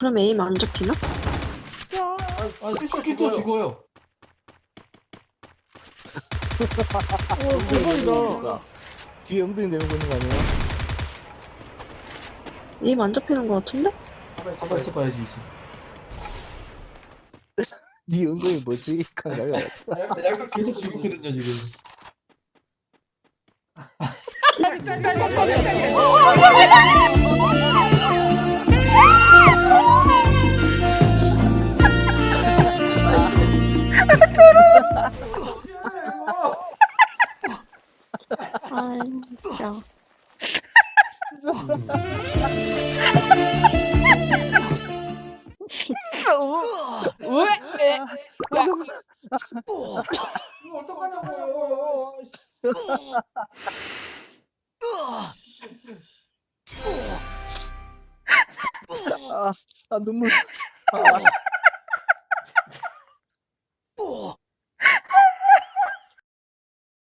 그럼 에임 안 잡히나? 또 죽어요. 대박이다. 뒤에 엉덩이 내밀고 있는 거 아니에요? 에임 안 잡히는 것 같은데? 가만 있어봐야지 이제. 네 엉덩이 뭐지? kan가요. 약간 계속 죽었거든요 지금. 아, 진짜. 이거 어떡하냐고요. 아 눈물. 아,